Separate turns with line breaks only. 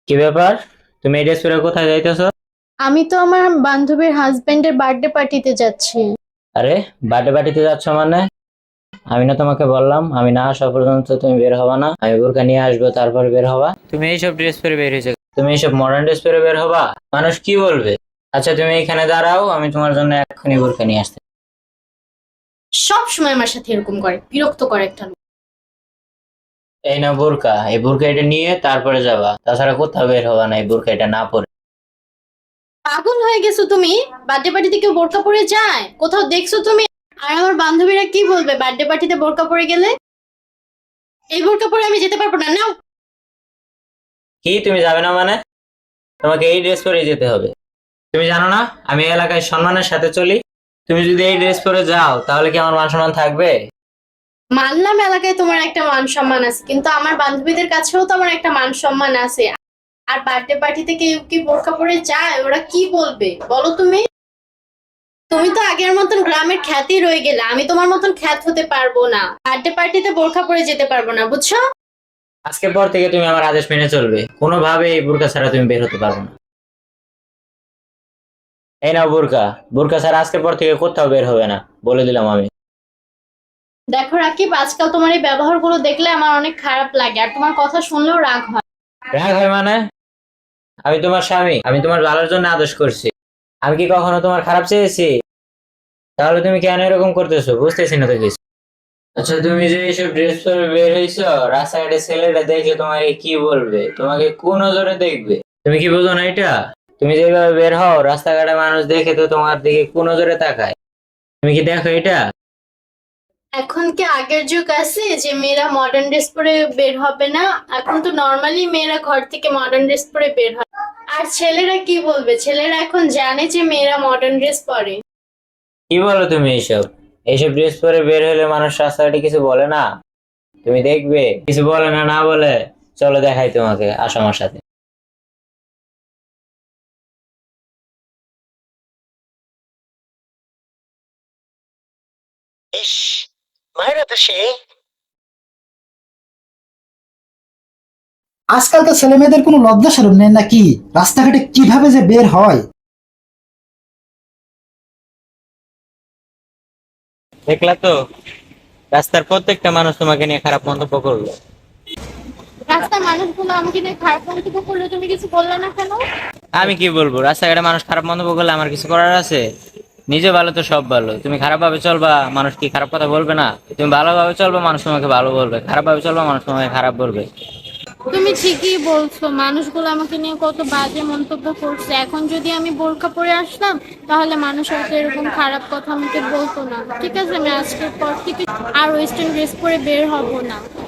কি ব্যাপার? তুমি এই ড্রেস পরে কোথায় যাইতেছো?
আমি তো আমার বান্ধবীর হাজবেন্ডের বার্থডে পার্টিতে যাচ্ছি।
আরে, বার্থডে পার্টিতে যাচ্ছ মানে? আমি না তোমাকে বললাম আমি না আসা পর্যন্ত তুমি বের হবা না, আমি বোরকা নিয়ে আসবো তারপর বের হবা। তুমি এইসব ড্রেস পরে বের হয়েছে, তুমি এইসব মডার্ন ড্রেস পরে বের হবা? মানুষ কি বলবে? আচ্ছা তুমি এখানে দাঁড়াও, আমি তোমার জন্য এক্ষুনি বোরকা নিয়ে আসতে।
সব সময় আমার সাথে এরকম করে, বিরক্ত করে একটা লোক।
এই না বোরকা, এই বোরকা এটা নিয়ে তারপরে যাবা, তাছাড়া কোথাও বের হবা না এই বোরকা এটা না পরে।
পাগল হয়ে গেছো তুমি? বার্থডে পার্টিতে কেউ বোরকা পরে যায়? কোথাও দেখছো তুমি? আর আমার বান্ধবীরা কি বলবে বার্থডে পার্টিতে বোরকা পরে গেলে? এই বোরকা পরে আমি যেতে পারবো না, নাও।
কি তুমি যাবে না মানে? তোমাকে এই ড্রেস পরে যেতে হবে। তুমি জানো না আমি এই এলাকায় সম্মানের সাথে চলি? তুমি যদি এই ড্রেস পরে যাও তাহলে কি আমার মান সম্মান থাকবে?
মানলাম এলাকায় তোমার একটা মান সম্মান আছে, কিন্তু আমার বান্ধবীদের কাছেও তো আমার একটা মান সম্মান আছে। আর বার্থডে পার্টিতে কেউ কি বোরকা পরে যায়? ওরা কি বলবে বলো তুমি? তুমি তো আগের মতন গ্রামের খ্যাতি রয়ে গেলে, আমি তোমার মতন খ্যাত হতে পারবো না। বার্থডে পার্টিতে বোরকা পরে যেতে পারবো না, বুঝছো?
আজকের পর থেকে তুমি আমার আদেশ মেনে চলবে, কোনোভাবে এই বোরকা ছাড়া তুমি বের হতে পারবে না। এই নাও বোরকা, বোরকা ছাড়া আজকের পর থেকে কোথাও বের হবে না, বলে দিলাম আমি।
দেখো রাকিব, আজকাল তোমার এই ব্যবহারগুলো দেখলে আমার অনেক খারাপ লাগে, আর তোমার কথা শুনলেও রাগ হয়।
রাগ হয় মানে? আমি তোমার স্বামী, আমি তোমার ভালোর জন্য আদেশ করছি। আমি কি কখনো তোমার খারাপ চেয়েছি? তাহলে তুমি কেন এরকম করতেছো বুঝতেছি না তো কিছু। আচ্ছা তুমি যে এইসব ড্রেস পরে বের হইছো, রাস্তাঘাটে ছেলেটা দেখলে তোমাকে কি বলবে, তোমাকে কোন নজরে দেখবে? তুমি কি বোঝো না এটা? তুমি যেভাবে বের হও রাস্তাঘাটে মানুষ দেখে তো তোমার দিকে কোন নজরে তাকায়। তুমি কি দেখো এটা?
এখন কি আগের যুগ আছে যে মেয়েরা মডার্ন ড্রেস পরে বের হবে না? এখন তো নর্মালি মেয়েরা ঘর থেকে মডার্ন ড্রেস পরে বের হয়। আর ছেলেরা কি বলবে? ছেলেরা এখন জানে যে মেয়েরা মডার্ন ড্রেস পরে।
কি বলো তুমি এইসব? এইসব ড্রেস পরে বের হলে মানুষ রাস্তাঘাটে কিছু বলে না? তুমি দেখবে কিছু বলে না, না বলে। চলো দেখাই তোমাকে, আসো আমার সাথে।
ইস, মায়েরা তো সে।
আজকালকার ছেলে মেয়েদের কোনো লজ্জা শরম নেই নাকি? রাস্তাঘাটে কিভাবে যে বের হয়!
দেখলা তো, রাস্তার প্রত্যেকটা মানুষ তোমাকে নিয়ে খারাপ মন্তব্য করলো।
রাস্তার মানুষগুলো আমাকে নিয়ে খারাপ মন্তব্য করলে তুমি কিছু বললে না কেন?
আমি কি বলবো, রাস্তাঘাটে মানুষ খারাপ মন্তব্য করলে আমার কিছু করার আছে? নিজে ভালো তো সব ভালো, তুমি খারাপ ভাবে চলবা মানুষ কি খারাপ কথা বলবে না? তুমি ভালোভাবে চলবা মানুষ তোমাকে ভালো বলবে, খারাপ ভাবে চলবা মানুষ তোমাকে খারাপ বলবে।
তুমি ঠিকই বলছো, মানুষগুলো আমাকে নিয়ে কত বাজে মন্তব্য করছে। এখন যদি আমি বোরকা পরে আসতাম, তাহলে মানুষ হয়তো এরকম খারাপ কথা আমাকে বলতো না। ঠিক আছে, আমি আজকের পর থেকে আর ওয়েস্টার্ন ড্রেস পরে বের হব না।